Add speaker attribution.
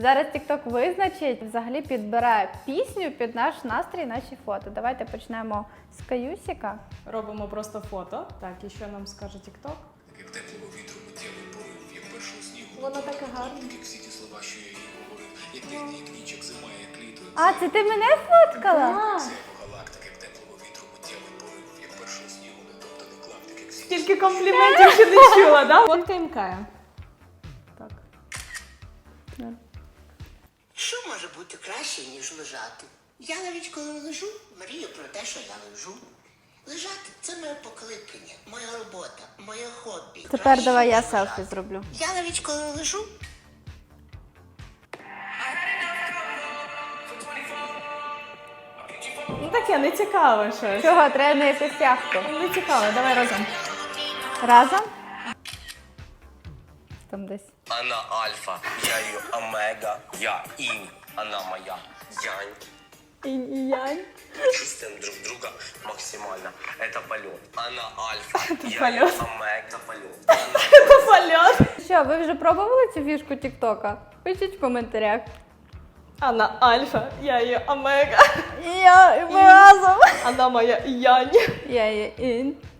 Speaker 1: Зараз TikTok визначить, взагалі підбирає пісню під наш настрій, наші фото. Давайте почнемо з Каюсіка.
Speaker 2: Робимо просто фото. Так, і що нам скаже TikTok?
Speaker 3: Як теплого вітру миттєвий порив, як першого снігу.
Speaker 2: Воно таке гарне.
Speaker 3: Як всі ті слова, що я їй говорив, як техні, як ніч, як зима, як літо.
Speaker 1: А, це ти мене фоткала?
Speaker 3: Це його галактик, як теплого вітру миттєвий порив, як першого снігу, не топтаний клаптик, як всі.
Speaker 2: Тільки компліментів ще не чула, да? Фоткаємо Кая. Так.
Speaker 4: Що може бути краще, ніж лежати? Я навіть коли лежу, мрію про те, що я лежу. Лежати – це моє покликання, моя робота, моє хобі.
Speaker 1: Тепер
Speaker 4: Краще,
Speaker 1: давай я
Speaker 4: ніж
Speaker 1: селфі
Speaker 4: лежати.
Speaker 1: зроблю.
Speaker 4: Я навіть коли лежу,
Speaker 2: Ну таке, не цікаве щось.
Speaker 1: Чого, треба на якусь яхту?
Speaker 2: Не цікаво, давай разом.
Speaker 1: Разом? Там десь.
Speaker 5: Она альфа, я ее омега, я инь, она моя янь.
Speaker 1: Інь і янь.
Speaker 5: Мы чувствуем друг друга максимально. Это полет. Она альфа, я
Speaker 2: полет.
Speaker 5: ее омега. Это полет.
Speaker 2: Це польот.
Speaker 1: Що, ви вже пробували цю фішку TikTok? Пишіть в коментарях.
Speaker 2: Она альфа, я її омега.
Speaker 1: І я, і ми разом.
Speaker 2: Вона моя янь.
Speaker 1: Я є інь.